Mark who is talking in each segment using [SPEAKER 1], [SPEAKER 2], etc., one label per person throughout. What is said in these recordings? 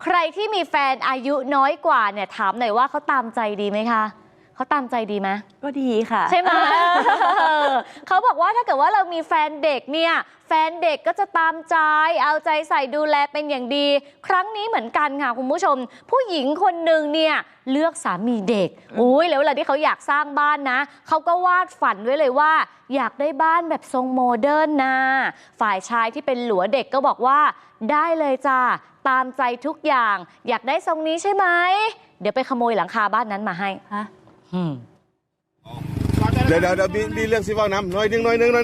[SPEAKER 1] ใครที่มีแฟนอายุน้อยกว่าเนี่ยถามหน่อยว่าเขาตามใจดีไหมคะเขาตามใจดีไหม
[SPEAKER 2] ก็ดีค่ะ
[SPEAKER 1] ใช่ไหม เขาบอกว่าถ้าเกิดว่าเรามีแฟนเด็กเนี่ยแฟนเด็กก็จะตามใจเอาใจใส่ดูแลเป็นอย่างดีครั้งนี้เหมือนกันค่ะคุณผู้ชมผู้หญิงคนหนึ่งเนี่ยเลือกสามีเด็กอุ้ยแล้วเวลาที่เขาอยากสร้างบ้านนะเขาก็วาดฝันไว้เลยว่าอยากได้บ้านแบบทรงโมเดิร์นนะฝ่ายชายที่เป็นหลัวเด็กก็บอกว่าได้เลยจ้าตามใจทุกอย่างอยากได้ทรงนี้ใช่ไหมเดี๋ยวไปขโมยหลังคาบ้านนั้นมาให้
[SPEAKER 3] เดี๋ยวมีเรื่องสิว่าน้ำน้อยนึง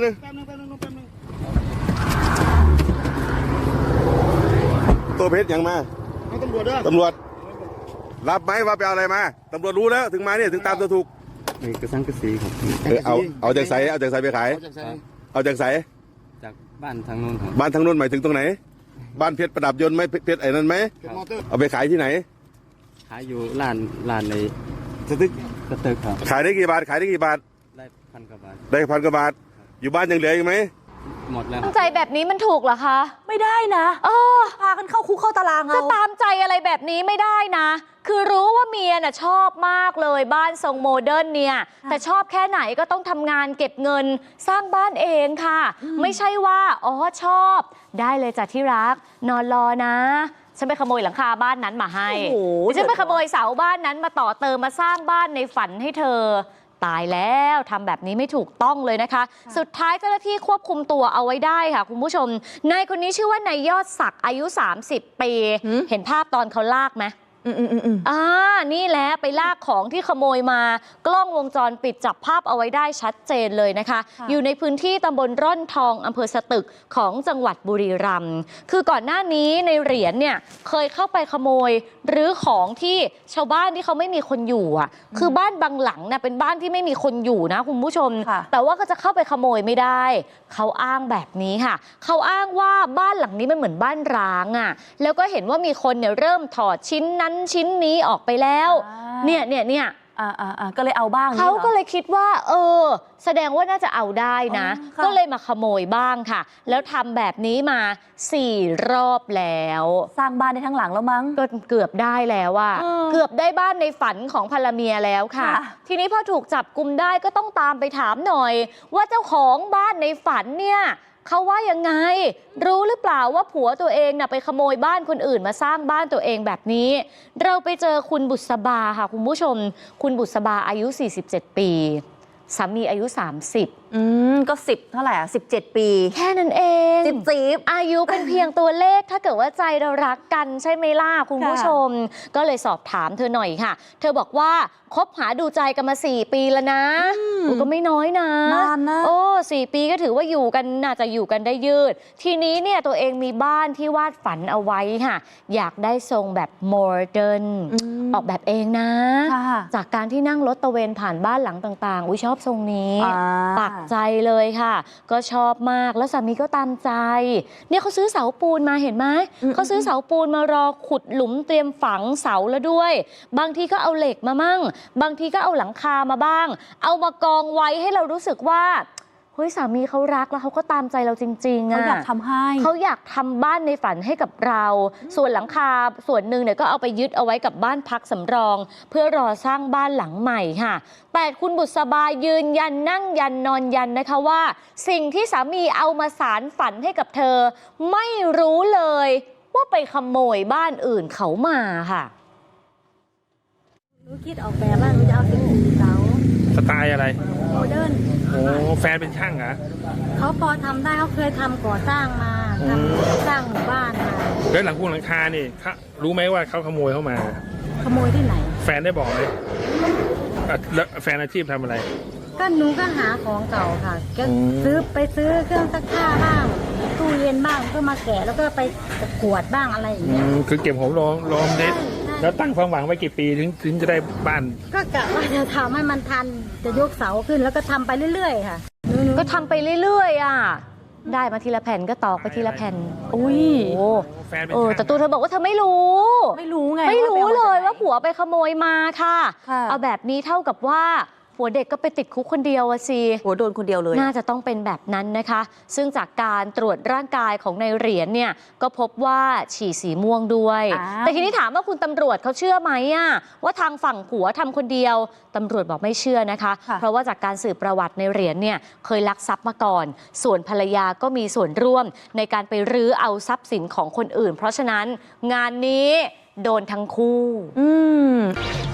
[SPEAKER 3] ตัวเพชรยังมาตำรวจรับไหมว่าไปเอาอะไรมาตำรวจรู้แล้วถึงมาเนี่ยถึงตามตัวถูก
[SPEAKER 4] นี่กระสังกระสีครับ
[SPEAKER 3] เอาจากใสไปขายเอาจากใส
[SPEAKER 4] จากบ้านทางโน้น
[SPEAKER 3] บ้านทางโน้นหมายถึงตรงไหนบ้านเพชรประดับยนต์ไหมเพชรไอ้นั่นไหมเอาไปขายที่ไหน
[SPEAKER 4] ขายอยู่ร้านในสตึกครับ
[SPEAKER 3] ขายได้กี่บาท
[SPEAKER 4] ได้1,000 กว่าบาท
[SPEAKER 3] ได้1,000 กว่าบาทอยู่บ้านยังเหลืออีกไหม
[SPEAKER 4] หมดแล้ว
[SPEAKER 1] ตามใจแบบนี้มันถูกเหรอคะ
[SPEAKER 2] ไม่ได้นะพากันเข้าคุกเข้าตาราง
[SPEAKER 1] จะตามใจอะไรแบบนี้ไม่ได้นะคือรู้ว่าเมียน่ะชอบมากเลยบ้านทรงโมเดิร์นเนี่ยแต่ชอบแค่ไหนก็ต้องทำงานเก็บเงินสร้างบ้านเองค่ะไม่ใช่ว่าชอบได้เลยจ้ะที่รักนอนรอนะฉันไปขโมยหลังคาบ้านนั้นมาให้ฉันไปขโมยเสาบ้านนั้นมาต่อเติมมาสร้างบ้านในฝันให้เธอตายแล้วทำแบบนี้ไม่ถูกต้องเลยนะคะสุดท้ายเจ้าหน้าที่ควบคุมตัวเอาไว้ได้ค่ะคุณผู้ชมนายคนนี้ชื่อว่านายยอดศักดิ์อายุ30 ปีเห็นภาพตอนเขาลากไหมนี่แหละไปลากของที่ขโมยมากล้องวงจรปิดจับภาพเอาไว้ได้ชัดเจนเลยนะคะอยู่ในพื้นที่ตำบลร่อนทองอำเภอสตึกของจังหวัดบุรีรัมย์คือก่อนหน้านี้ในเหรียญเนี่ยเคยเข้าไปขโมยหรือของที่ชาวบ้านที่เขาไม่มีคนอยู่คือบ้านบางหลังนะเป็นบ้านที่ไม่มีคนอยู่นะคุณผู้ชมแต่ว่าก็จะเข้าไปขโมยไม่ได้เขาอ้างแบบนี้ค่ะเขาอ้างว่าบ้านหลังนี้มันเหมือนบ้านร้างแล้วก็เห็นว่ามีคนเนี่ยเริ่มถอดชิ้นนั้นชิ้นนี้ออกไปแล้วเนี่ย
[SPEAKER 2] ก็เลยเอาบ้าง
[SPEAKER 1] เขาก็เลยคิดว่าแสดงว่าน่าจะเอาได้นะก็เลยมาขโมยบ้างค่ะแล้วทำแบบนี้มา4 รอบแล้ว
[SPEAKER 2] สร้างบ้านได้ทั้งหลังแล้วมั้ง
[SPEAKER 1] ก็เกือบได้แล้วเกือบได้บ้านในฝันของภรรเมียแล้วค่ะทีนี้พอถูกจับกุมได้ก็ต้องตามไปถามหน่อยว่าเจ้าของบ้านในฝันเนี่ยเขาว่ายังไงรู้หรือเปล่าว่าผัวตัวเองน่ะไปขโมยบ้านคนอื่นมาสร้างบ้านตัวเองแบบนี้เราไปเจอคุณบุษบาค่ะคุณผู้ชมคุณบุษบาอายุ47 ปีสามีอายุ30
[SPEAKER 2] ก็10เท่าไหร่17 ปี
[SPEAKER 1] แค่นั้นเอง10อายุเป็นเพียงตัวเลขถ้าเกิดว่าใจเรารักกันใช่ไหมล่ะคุณผู้ชมก็เลยสอบถามเธอหน่อยค่ะเธอบอกว่าคบหาดูใจกันมา4 ปีแล้วนะก็ไม่น้อยนะ
[SPEAKER 2] นานนะ
[SPEAKER 1] 4 ปีก็ถือว่าอยู่กันน่าจะอยู่กันได้ยืดทีนี้เนี่ยตัวเองมีบ้านที่วาดฝันเอาไว้ค่ะอยากได้ทรงแบบโมเดิร์นออกแบบเองนะจากการที่นั่งรถตะเวนผ่านบ้านหลังต่างๆชอบทรงนี้ปักใจเลยค่ะก็ชอบมากแล้วสามีก็ตามใจเนี่ยเขาซื้อเสาปูนมาเห็นไหมเขาซื้อเสาปูนมารอขุดหลุมเตรียมฝังเสาแล้วด้วยบางทีก็เอาเหล็กมามั่งบางทีก็เอาหลังคามาบ้างเอามากองไว้ให้เรารู้สึกว่าเฮ้ยสามีเขารักแล้วเขาก็ตามใจเราจริงๆ
[SPEAKER 2] เขาอยากทำให้
[SPEAKER 1] เขาอยากทำบ้านในฝันให้กับเราส่วนหลังคาส่วนหนึ่งเนี่ยก็เอาไปยึดเอาไว้กับบ้านพักสำรองเพื่อรอสร้างบ้านหลังใหม่ค่ะแต่คุณบุษบายืนยันนั่งยันนอนยันนะคะว่าสิ่งที่สามีเอามาสารฝันให้กับเธอไม่รู้เลยว่าไปขโมยบ้านอื่นเขามาค่ะ
[SPEAKER 5] หนูคิดออกแบบว่าหนูจะเอาเป็นเสา
[SPEAKER 6] สไตล์อะไร
[SPEAKER 5] โมเดิร์น
[SPEAKER 6] โอ้แฟนเป็นช่างเหรอ
[SPEAKER 5] เขาพอทำได้เขาเคยทำก่อสร้างมาทำสร้างหมู่บ้านมา
[SPEAKER 6] แล้วหลังคานี่รู้ไหมว่าเขาขโมยเข้ามา
[SPEAKER 5] ขโมยที่ไหน
[SPEAKER 6] แฟนได้บอกไหมแล้วแฟนอาชีพทำอะไร
[SPEAKER 5] ก็หนูก็หาของเก่าค่ะก็ไปซื้อเครื่องซักผ้าบ้างตู้เย็นบ้างก็มาแกะแล้วก็ไปขวดบ้างอะไรอย่างเงี้ย
[SPEAKER 6] คือเก็บหอมรอมเด็ดแล้วตั้งความหวังไว้กี่ปีถึงจะได้บ้าน
[SPEAKER 5] ก็กะว่าจะทำให้มันทันจะยกเสาขึ้นแล้วก็ทำไปเรื่อยๆค่ะ
[SPEAKER 1] ก็ทำไปเรื่อยๆได้มาทีละแผ่นก็ตอกไปทีละแผ่นแต่ตัวเธอบอกว่าเธอไม่รู้
[SPEAKER 2] ไง
[SPEAKER 1] ไม่รู้เลยว่าผัวไปขโมยมาค่ะเอาแบบนี้เท่ากับว่าหัวเด็กก็ไปติดคุกคนเดียวอะสิ
[SPEAKER 2] โหโดนคนเดียวเลย
[SPEAKER 1] น่าจะต้องเป็นแบบนั้นนะคะ ซึ่งจากการตรวจร่างกายของในเหรียญเนี่ยก็พบว่าฉี่สีม่วงด้วย
[SPEAKER 2] อ้าว
[SPEAKER 1] แต่ทีนี้ถามว่าคุณตำรวจเขาเชื่อไหมอะว่าทางฝั่งผัวทำคนเดียวตำรวจบอกไม่เชื่อนะคะ เพราะว่าจากการสืบประวัติในเหรียญเนี่ยเคยลักทรัพย์มาก่อน ส่วนภรรยาก็มีส่วนร่วมในการไปรื้อเอาทรัพย์สินของคนอื่น เพราะฉะนั้นงานนี้โดนทั้งคู่
[SPEAKER 2] อืม